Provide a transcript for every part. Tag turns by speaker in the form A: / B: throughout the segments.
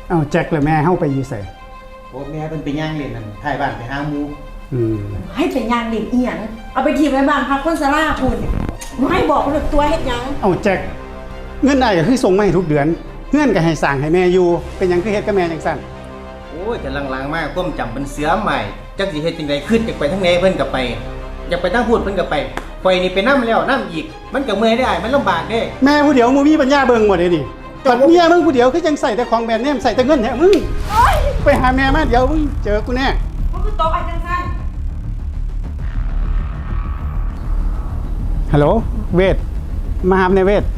A: เอาแจ็คเลยแม่เฮาไปอยู่ใส่
B: โอ้แม่เป็นไปย่างเล่นนั่นถ่ายบ้านไปหาหมู
C: ให้เป็นยางเด็กอีหยังเอาไปทีมไว้บ้านพักคนสลาคุณไม่บอกคนตัวเฮ็ดหยัง
A: เอาแจ็คเงินได้ก็คือส่งมาให้ทุกเดือนเงินก็ให้สั่งให้แม่อยู่เป็นหยังคือเฮ็ดกับแม่จังซั่น
B: โอ้ยแต่ลังๆมากก้มจำเป็นเสือใหม่จักสิเฮ็ดจังไดขึ้นจากไปทั้งไหนเพิ่นก็ไปอยากไปทั้งพูดเพิ่นก็ไปข่อยนี่ไปนำแล้วนำอีกมันก็เมื่อยได้มันลำบากเด้
A: แม่ผู้เดียวบ่มีปัญญาเบิ่งหมดเลยนี่ปัดเมียมึงผู้เดียวคือจังใส่แต่ของแบรนด์เนมใส่แต่เงินแท้มึงไปหาแม่มาเดี๋ยวมึงเจอกูแน่
C: มันคือโต๊ะไอ้จังซั่น
A: ฮัลโหลเวทมาหาในเวท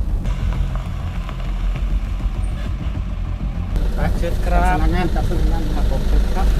B: เชิญครับ
A: พนักงานกับพนักงานครับผมเชิญครับ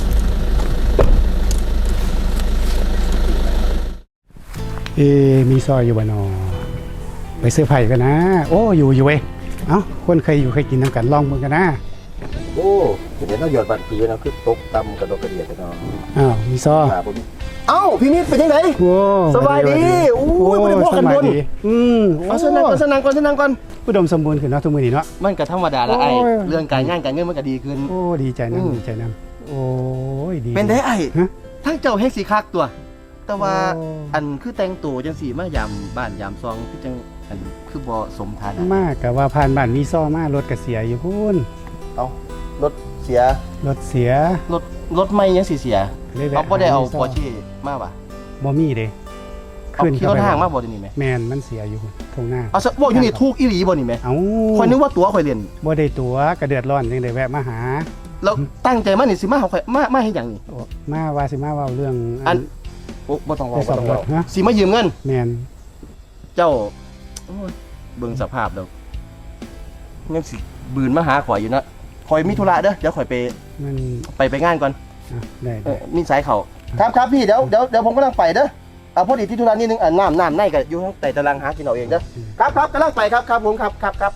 A: มีซอยอยู่บ่นอไปซื้อไผ่กันนะโอ้อยู่เว้ยเอ้าคนเคยอยู่เคยกินน้ำกันลองมึงกันนะ
D: โอ้เดี๋ยวต้องหยอดบัตรผีนะคือตกตำกระโดดกระเดียดกันเนาะ
A: อ้าวมีซอ
D: เอ้าพี่นิดเป็นยังไงสบายดีโอ้ยไม่ได้พวกกันบนเอาสนังก่อน
A: อุดมสมบูรณ์ขึ้นเนาะทุกมื้อนี้เนาะ
D: มันก็ธรรมดาละไอ้เรื่องการงานการเงินมันก็ดีขึ้น
A: โอ้ดีใจนะโอ้ยดี
D: เป็นได้ไอ้ทั้งเจ้าแห่งสีคักตัวแต่ว่าอันคือแต่งตัวจังสีมายามบ้านยามซองคือจังอันคือบ่สมฐานะ
A: มากกับว่าผ่านบ้านมีซ้อมารถก็เสียอยู่พุ่น
D: เอารถเสียรถไม่ยังเสียเอาบ่ได้เอาปอร์เช่มาป่ะ
A: บ่มีเด้
D: ขึ้นขี่รถห้างมาบ่ได้นี่แม่
A: แม่นมันเสียอยู่ตรงหน้า
D: เอาซะบ่อยู่นี่ถูกอีหลีบ่นี่แม่
A: เอ้า
D: ข่อยนึกว่าตั๋วข่อยเรียน
A: บ่ได้ตั๋วก็เดือดร้อนจังได้แวะมาหา
D: แล้วตั้งใจมานี่สิมาเฮาข่อยมาเฮ็ดหยังนี่
A: มาว่าสิมาเว้าเรื่อง
D: อันโอ้บ่ต้องเว้าสิมายืมเงิน
A: แม่น
D: เจ้าเบิ่งสภาพแล้วยังสิบืนมาหาข่อยอยู่นะข่อยมีธุระเด้อเดี๋ยวข่อยไปงานก่อน
A: ได้
D: มีสายเขาครับพี่เดี๋ยวผมกำลังไปเด้อเอาพอดีที่ธุระนิดนึงน้ำในก็อยู่ข้างใต้ตารางหากินเอาเองเด้อครับกำลังไปครับผมครับ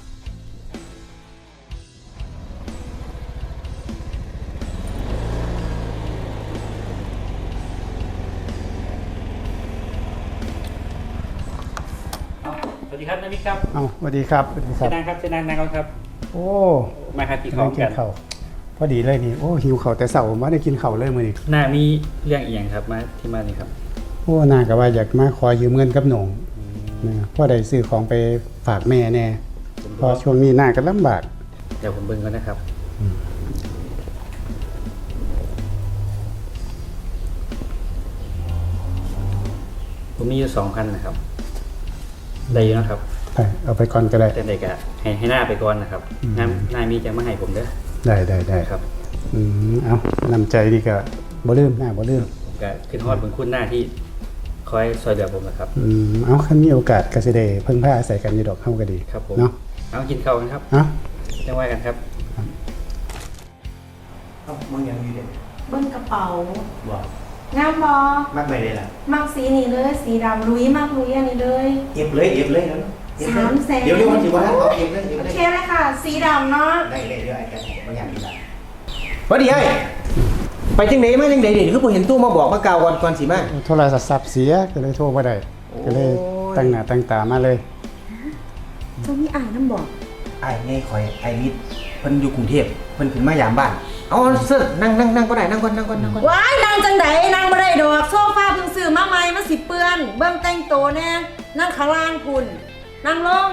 B: สวัสดีครับนามิครับ
A: สวัสดีครับ
B: เชิญนั่งก่อนครับ
A: โอ้
B: มาครับกินข้าวกัน
A: พอดีเลยนี่โอ้หิวข้าวแต่เช้ามาได้กินข้าวเลยมื้อนี้
B: หน้ามีเรื่องอีหยังครับมาที่มานี่ครับ
A: โอ้น่าก็ว่าอยากมาขอยืมเงินกับหนงนะพอได้ซื้อของไปฝากแม่แน่พอช่วงนี้น่าก็ลำบาก
B: เดี๋ยวผมเบิ่งก่อนนะครับผมมีอยู่ 2,000 นะครับได้อยู่นะครับ
A: เอาไปก่อนก็ได้
B: แต่เด็กอะให้หน้าไปก่อนนะครับหน้ามีจะมาให้ผมเด้อ
A: ได้ครับเอานำใจดีก็บ่ลืมหน้าบ่ลืม
B: ก็ขึ้นฮอดบุญคุณหน้าที่คอยซอยเหลือผมนะครับ
A: เอาคันมีโอกาสก็สิได้เพิ่งพาอาศัยกันอยู่ดอกเฮาก็ดี
B: ครับผมเนาะเอากินข้าวกันครับจังว่ากันครับ
D: มึงยังมีเด็ก
C: เบิ้งกระเป๋า
D: บ่
C: งามบ่
D: มักไปเลยล่ะ
C: มักสีนี่เลยสีดำลุยมากลุยอันนี้เลย
D: เก็บเลยนะ
C: 300,000
D: เดี๋ยวมันสิว่าเอาเก็บเลย
C: โอเคเลยค่ะสีดำเนาะ
D: ได้เดี๋ยวไอ้แกบ่อยากมีละ
B: พอดีไอ้ไปจังไหนมาจังไหนนี่คือผมเห็นตู้มาบอกมากล่าวก่อนสิมา
A: โทรศัพท์เสียก็เลยโทรบ่ได้ก็เลยตั้งหน้าตั้งตามาเลย
C: เจ้ามีอ่านน้ำบอก
D: ไอ้ไงคอยไอ้นิดเพิ่นอยู่กรุงเทพเพิ่นขึ้นมายามบ้านเอาเสื้อนั่งก็ได้นั่งก่อน
C: ว้ายนั่งจังไดนั่งบ่ได้ดอกโซฟาเพิ่งซื้อมาใหม่มันสิเปื้อนเบิ่งแต่งตัวแน่นั่งข้างล่างคุณนั่งลง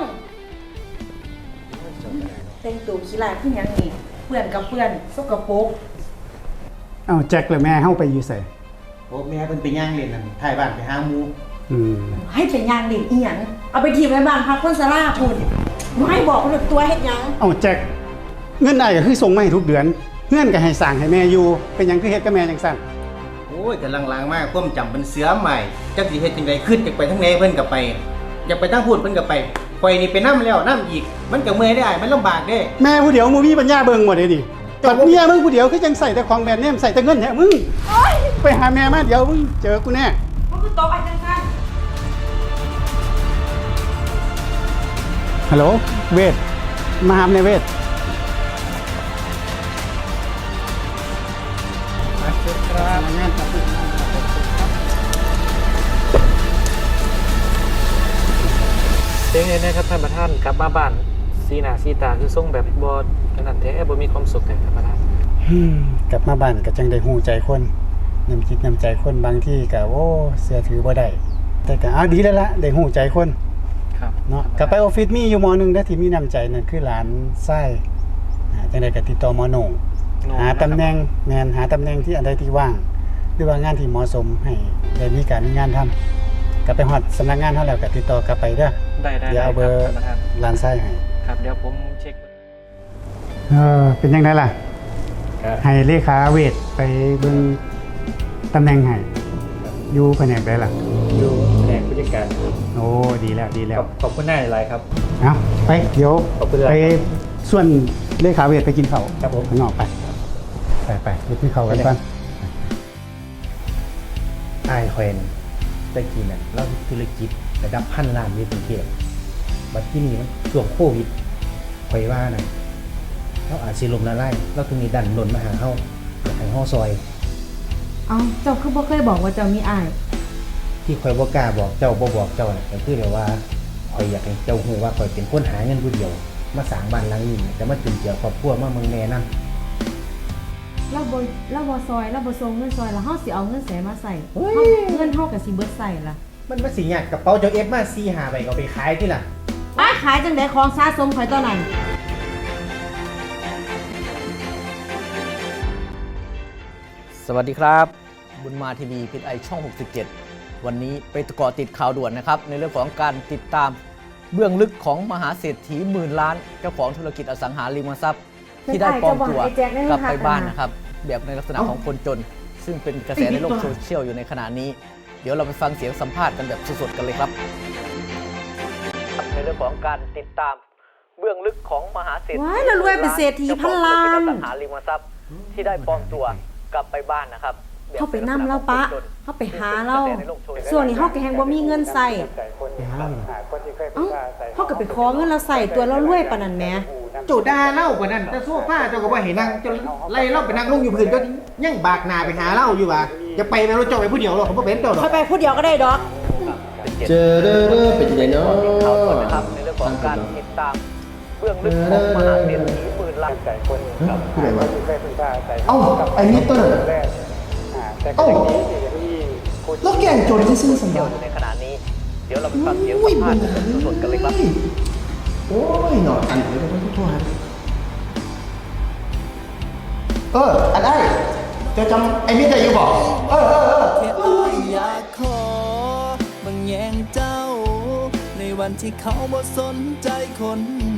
C: แต่งตัวขี้ลายขึ้นยังนี่เปื้อนกับเปื้อนสกปรก
A: เอาแจ็คเลยแม่เฮาไปอยู่ใส่
B: โอ้แม่เพิ่นไปย่างเล่นนั่นถ่ายบ้านไปหาหมู
C: ให้เป็นยางเด็กอีหยังเอาไปทีมไว้บ้านพักคนสลาคุณไม่บอกคนตัวเฮ็ดหยัง
A: เอาแจ็คเงินได้ก็คือส่งมาให้ทุกเดือนเงินก็ให้สั่งให้แม่อยู่เป็นหยังคือเฮ็ดกับแม่จังซั่น
B: โอ้ยแต่ลังๆมากก้มจำเป็นเสือใหม่จักสิเฮ็ดจังไดขึ้นจากไปทั้งไหนเพิ่นก็ไปอยากไปทั้งพูดเพิ่นก็ไปข่อยนี่ไปนำแล้วนำอีกมันก็เมื่อยได้มันลำบากเด้
A: แม่ผู้เดียวบ่มีปัญญาเบิ่งหมดเลยดิปัดเมียมึงผู้เดียวคือจังใส่แต่ของแบรนด์เนมใส่แต่เงินแท้มึงไปหาแม่มาเดี๋ยวมึงเจอกูแน่
C: มันคือโต๊ะไอ้จังซั่น
A: ฮัลโหลเวทมาหาในเวท
B: เชิญครับงานครับ
E: เจ๊งเลยนะครับท่านประธานกลับมาบ้านสีหน้าสีตาคือทรงแบบบ่นั่นแท้บ่มีความสุขกันครับประธาน
A: กลับมาบ้านก็จังได้ฮู้ใจคนน้ำจิตน้ำใจคนบางที่ก็โอ้เชื่อถือบ่ได้แต่ก็เอาดีแล้วล่ะได้ฮู้ใจคน
E: ครับ
A: เนาะกลับไปออฟฟิศมีอยู่หมอหนึงนะที่มีน้ำใจนั่นคือหลานไส้จังได๋ก็ติดต่อหมอโหน่งหาตำแหน่งแม่นหาตำแหน่งที่อันใดที่ว่างหรือว่างานที่เหมาะสมให้ได้มีการมีงานทำกลับไปฮอดสำนักงานเฮาแล้วก็ติดต่อกลับไปเด้อ
E: ได้
A: เดี๋ยวเอาเบอร์
E: คประธาน
A: หลานไส้ให้
E: ครับเดี๋ยวผมเช็ค
A: เป็นจังไดล่ะให้เลขาเวทไปเบิ่งตำแหน่งให้อยู่แผนกใดล่ะ
E: ดูแผนกผู้จัดการ
A: โอ้ดีแล้วดีแล้ว
E: ขอบคุณนายหลายครับ
A: เอาไปเดี๋ยว
E: ขอบคุณครับ
A: ไปส่วนเลขาเวทไปกินข้าว
E: ครับผม
A: ข้างนอกไปไปกินข้าวกันก่อน
F: อายคอยนตะกี้น่ะเราธุรกิจระดับพันล้านในกรุงเทพบัดที่นี่มันช่วงโควิดคอยว่าน่ะเราอาจสิลมละลายเราถึงนี้ดันหล่นมาหาเฮาอยากให้เฮาซอย
C: เอาเจ้าคือบ่เคยบอกว่าเจ้ามีอ้าย
F: ที่คอยบ่กล้าบอกเจ้าบ่บอกเจ้าน่ะก็คือแบบว่าคอยอยากให้เจ้าฮู้ว่าคอยเป็นคนหาเงินผู้เดียว มาสร้างบ้านหลังนี้แต่มาจุนเจือครอบครัวมาเมืองแม่นำ
C: เราบ่ซอยเราบ่ส่งเงินซอยแล้วเฮาสิเอาเงินแสนมาใส่เงินเฮาก็สิเบิดใส่ล่ะ
F: มันมาสิยากกระเป๋าเจ้าเอฟมา4-5ใบก็เอาไปขายที่ล่ะ
C: อ้ายขายจังได๋ของสะสมข่อยตอนนั้น
G: สวัสดีครับ บุญมาทีวีพิทไอช่อง 67 วันนี้ไปเกาะติดข่าวด่วนนะครับ ในเรื่องของการติดตามเบื้องลึกของมหาเศรษฐีหมื่นล้าน เจ้าของธุรกิจอสังหาริมทรัพย์ ที่ได้ปลอมตัวกลับไปบ้านนะครับ แบบในลักษณะของคนจน ซึ่งเป็นกระแสในโลกโซเชียลอยู่ในขณะนี้ เดี๋ยวเราไปฟังเสียงสัมภาษณ์กันแบบสดๆกันเลยครับ ในเรื่องของการติดตามเบื้องลึกของมหาเศรษฐี
C: ว้ายแล้วรวยเป็นเศรษฐีพันล้าน
G: เจ้าของธุรกิจอสังหาริมทรัพย์ที่ได้ปลอมตัวกลับไปบ้านนะครับ
C: เฮาไปนำเราปะเฮาไปหาเราส่วนนี้เฮาก็แฮงบ่มีเงินใส่
A: ไปหาเราหน่อย
C: เอ้าเฮาก็ไปขอเงินเราใส่ตัวเรารวยปานนั้นแหม
B: เจ้าด่าเล่ากว่านั้นแต่โซฟาเจ้าก็บ่ให้นั่งเจ้าไล่เล่าไปนั่งลงอยู่พื้นก็ยังบากหน้าไปหาเล่าอยู่ว่าจะไปแม่รถเจ้าไปผู้เดียวหรอกผมบ่เป็นเจ้าหรอก
C: ค่อยไปผู้เดียวก็ได้ดอก
D: เจอเด้อเป็นจังไดเนาะ
G: ข่าวด่วนนะครับในเรื่องของการติดตามเบื้องลึกของมหาเศรษฐีหมื่นล้าน
D: ผู้ใดวะเอ้าไอ้มิเตอร์เอ้าแล้วแกงโจรซื่อๆสันดาน
G: ในขณะนี้ เดี๋ยวเราไปฟังเสียงสัมภาษณ์กันสดๆกันเลยครับ
D: โอ้ยหนออันนี้ต้องทั่วครับอันได้จะจำไอ้มิเตอร์อยู่บอก
H: แค่อ้ายอยากขอบางแยงเจ้า ในวันที่เขาบ่สนใจคน